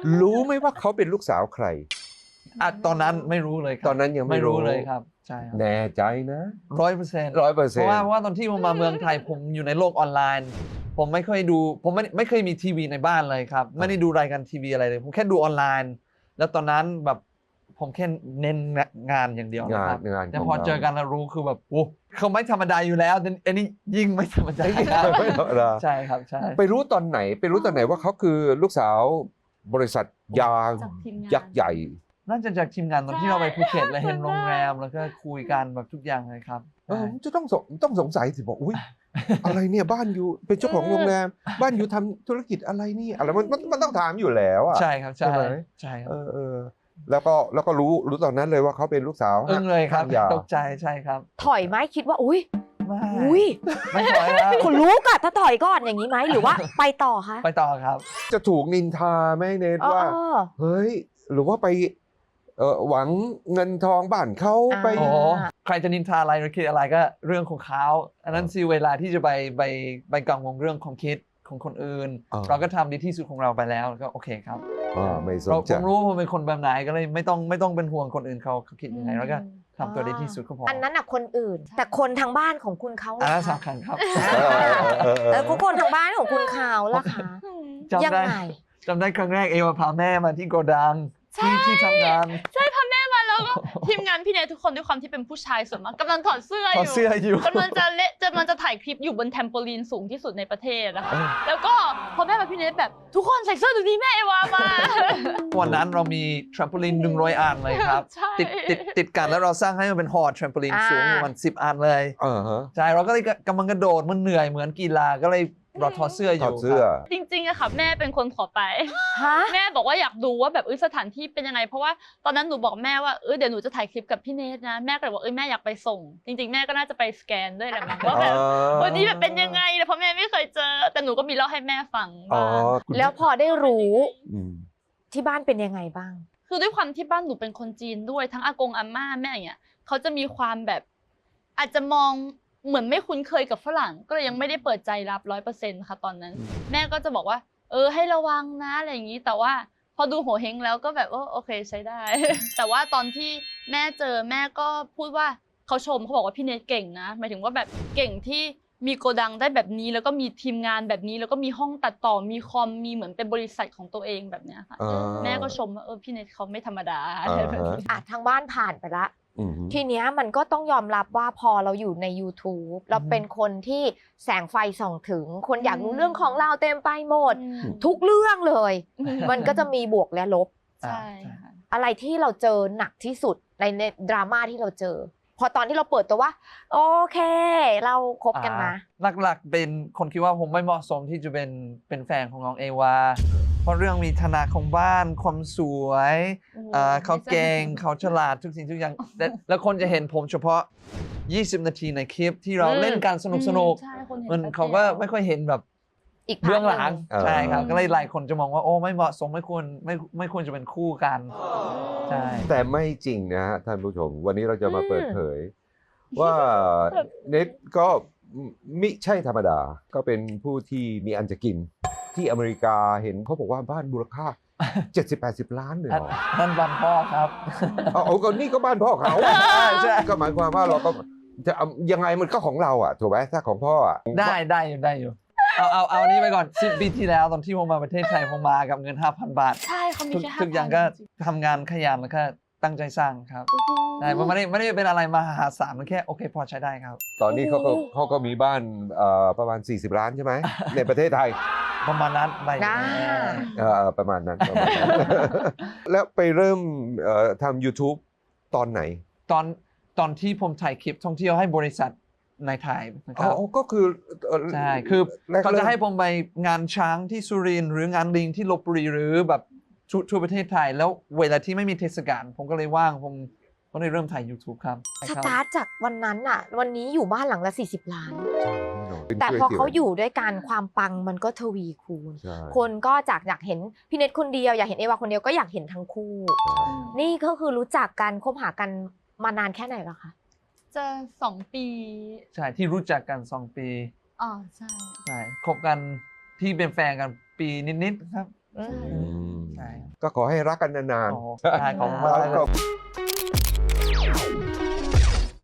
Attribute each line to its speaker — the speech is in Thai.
Speaker 1: รู้ไหมว่าเขาเป็นลูกสาวใคร
Speaker 2: ตอนนั้นไม่รู้เลยครับ
Speaker 1: ตอนนั้นยังไม่รู้
Speaker 2: เลยครับใช่ครับ
Speaker 1: แน่ใจนะ
Speaker 2: 100%
Speaker 1: 100%
Speaker 2: เพราะว่าตอนที่ผมมาเมืองไทยผมอยู่ในโลกออนไลน์ผมไม่เคยดูผมไม่เคยมีทีวีในบ้านเลยครับไม่ได้ดูรายการทีวีอะไรเลยผมแค่ดูออนไลน์แล้วตอนนั้นแบบผมแค่เน้นงานอย่างเดียวนะครับแต่พอเจอกันแล้วรู้คือแบบโอ้เขาไม่ธรรมดาอยู่แล้วอันนี้ยิ่งไม่ธรรมดาใช่ครับใช่
Speaker 1: ไปรู้ตอนไหนว่าเขาคือลูกสาวบริษัทยายักษ์ใหญ่
Speaker 2: น่าจะจากทีมงานตอนที่เราไปภูเก็ตแล้วเห็นโรงแรมแล้วก็คุยกันแบบทุกอย่างเลยครับ
Speaker 1: จะต้องสงสัยสิบอกอุ้ยอะไรเนี่ยบ้านอยู่เป็นเจ้าของโรงแรมบ้านอยู่ทำธุรกิจอะไรนี่อะไรมันต้องถามอยู่แล้วอ่ะ
Speaker 2: ใช่ครับใช่ครับ
Speaker 1: แล้วก็รู้ตอนนั้นเลยว่าเขาเป็นลูกสาว
Speaker 2: เลยครับตกใจใช่ครับ
Speaker 3: ถอยไหมคิดว่าอุ้ย
Speaker 2: ไม่ถอยแล้ว
Speaker 3: คุณรู้ก่อนถ้าถอยก่อนอย่างนี้ไหมหรือว่าไปต่อคะ
Speaker 2: ไปต่อครับ
Speaker 1: จะถูกนินทาไหมเนทว่าเฮ้ยหรือว่าไปหวังเงินทองบ้านเขาไป
Speaker 2: ใครจะนินทาอะไรหรือคิดอะไรก็เรื่องของเขาอันนั้นสิเวลาที่จะไปกังวลเรื่องของคิดของคนอื่นเราก็ทำดีที่สุดของเราไปแล้วก็โอเคครับ
Speaker 1: ไม่สนใจ
Speaker 2: ผมรู้ว่าผมเป็นคนแบบไหนก็เลยไม่ต้องเป็นห่วงคนอื่นเขาคิดยังไงแล้วก็ทำตัวดีที่สุดก็พอ
Speaker 3: อันนั้นคนอื่นแต่คนทางบ้านของคุณเขา
Speaker 2: อันนั้นสำคัญครับ
Speaker 3: แล้วคนทางบ้านของคุณเขาล่ะคะยังไง
Speaker 2: จำได้ครั้งแรกเอวพาแม่มาที่โกดังที่ทำงาน
Speaker 4: ใช่พาแม่มาแล้วก็ทีมงานพี่เนททุกคนด้วยความที่เป็นผู้ชายส่วนมากกำลังถอดเสื้ออยู่กำลังจะถ่ายคลิปอยู่บนแทมโปลีนสูงที่สุดในประเทศนะคะแล้วก็พอแม่มาพี่เนทแบบทุกคนใส่เสื้อดูดีแม่เอวามา
Speaker 2: วันนั้นเรามีแทรมโปลีน100 อันเลยครับติดกันแล้วเราสร้างให้มันเป็นหอแทรมโปลีนสูงประมาณ10 อันเลยใช่เราก็เลยกำลังกระโดดมันเหนื่อยเหมือนกีฬาก็เลยเราถอดเสื้ออยู่
Speaker 4: จริงๆอะค่ะแม่เป็นคนขอไปแม่บอกว่าอยากดูว่าแบบสถานที่เป็นยังไงเพราะว่าตอนนั้นหนูบอกแม่ว่าเดี๋ยวหนูจะถ่ายคลิปกับพี่เนทนะแม่ก็เลยบอกแม่อยากไปส่งจริงๆแม่ก็น่าจะไปสแกนด้วยแหละมั้งว่าแบบวันนี้แบบเป็นยังไงเพราะแม่ไม่เคยเจอแต่หนูก็มีเล่าให้แม่ฟัง
Speaker 3: แล้วพอได้รู้ที่บ้านเป็นยังไงบ้าง
Speaker 4: คือด้วยความที่บ้านหนูเป็นคนจีนด้วยทั้งอากงอาม่าแม่อย่างเงี้ยเขาจะมีความแบบอาจจะมองเหมือนไม่คุ้นเคยกับฝรั่งก็เลยยังไม่ได้เปิดใจรับ 100% ค่ะตอนนั้นแม่ก็จะบอกว่าให้ระวังนะอะไรอย่างนี้แต่ว่าพอดูโหเฮงแล้วก็แบบโอเคใช้ได้ แต่ว่าตอนที่แม่เจอแม่ก็พูดว่าเขาชมเขาบอกว่าพี่เนทเก่งนะหมายถึงว่าแบบเก่งที่มีโกดังได้แบบนี้แล้วก็มีทีมงานแบบนี้แล้วก็มีห้องตัดต่อมีคอมมีเหมือนเป็นบริษัทของตัวเองแบบเนี้ยค่ะแม่ก็ชมว่าพี่เนทเขาไม่ธรรมดา
Speaker 3: ทางบ้านผ่านไปละทีเนี้ยมันก็ต้องยอมรับว่าพอเราอยู่ใน YouTube เราเป็นคนที่แสงไฟส่องถึงคนอยากรู้เรื่องของเราเต็มไปหมดทุกเรื่องเลยมันก็จะมีบวกและลบ
Speaker 4: ใช่
Speaker 3: อะไรที่เราเจอหนักที่สุดในดราม่าที่เราเจอพอตอนที่เราเปิดตัวว่าโอเคเราคบกันนะ
Speaker 2: หลักๆเป็นคนคิดว่าผมไม่เหมาะสมที่จะเป็นแฟนของน้องเอวาเพราะเรื่องมีฐานะของบ้านความสวยเขาเก่งเขาฉลาดทุกสิ่งทุกอย่างแล้วคนจะเห็นผมเฉพาะ20 นาทีในคลิปที่เราเล่นกันสนุกมันเขาก็ไม่ค่อยเห็นแบบเบื้องหลังใช่ครับก็เลยหลายคนจะมองว่าโอ้ไม่เหมาะสมไม่ควรจะเป็นคู่กันใช่
Speaker 1: แต่ไม่จริงนะฮะท่านผู้ชมวันนี้เราจะมาเปิดเผยว่าเน็ตก็มิใช่ธรรมดาก็เป็นผู้ที่มีอันจะกินที่อเมริกาเห็นเขาบอกว่าบ้านมูลค่า 70-80 ล้านเลย
Speaker 2: นั่นบ้านพ่อครับ
Speaker 1: ก็นี่ก็บ้านพ่อเขาใช่ก็หมายความว่าเราก็จะยังไงมันก็ของเราอ่ะถูกไหมถ้าของพ่ออ่ะ
Speaker 2: ได้อยู่เอานี้ไปก่อน10 ปีที่แล้วตอนที่ผมมาประเทศไทยผมมากับเงิน 5,000 บาท
Speaker 4: ใช่เขามีแค่ 5,000
Speaker 2: ทุกอย่างก็ทำงานขยันแล้วก็ตั้งใจสร้างครับใช่มันไม่ได้เป็นอะไรมหาศาลมันแค่โอเคพอใช้ได้ครับ
Speaker 1: ตอนนี้เขาก็มีบ้านประมาณ40 ล้านใช่ไหมในประเทศไทย
Speaker 2: ประมาณนั้นไป
Speaker 1: ประมาณนั้นแล้วไปเริ่มทำ YouTube ตอนไหน
Speaker 2: ตอนที่ผมถ่ายคลิปท่องเที่ยวให้บริษัทในไทยนะครับ
Speaker 1: ก็คือ
Speaker 2: ใช่คือเขาจะให้ผมไปงานช้างที่สุรินทร์หรืองานลิงที่ลพบุรีหรือแบบทั่วประเทศไทยแล้วเวลาที่ไม่มีเทศกาลผมก็เลยว่างผมก็เลยเริ่มถ่าย YouTube ครับ
Speaker 3: สตาร์ทจากวันนั้นอ่ะวันนี้อยู่บ้านหลังละ40 ล้านแต่พอเขาอยู่ด้วยกันความปังมันก็ทวีคูณคนก็จากอยากเห็นพี่เนทคนเดียวอยากเห็นเอวาคนเดียวก็อยากเห็นทั้งคู่นี่ก็คือรู้จักกันคบหากันมานานแค่ไหนแล้วคะ
Speaker 4: จะ2 ปี
Speaker 2: ใช่ที่รู้จักกัน2 ปี
Speaker 4: ใช่
Speaker 2: คบกันที่เป็นแฟนกันปีนิดๆครับ
Speaker 1: ใช่ก็ก็ขอให้รักกันนาน
Speaker 2: โอ้
Speaker 1: ๆ
Speaker 2: ได้ขอบคุณมาก
Speaker 1: แล้ว
Speaker 2: เลย
Speaker 1: ก็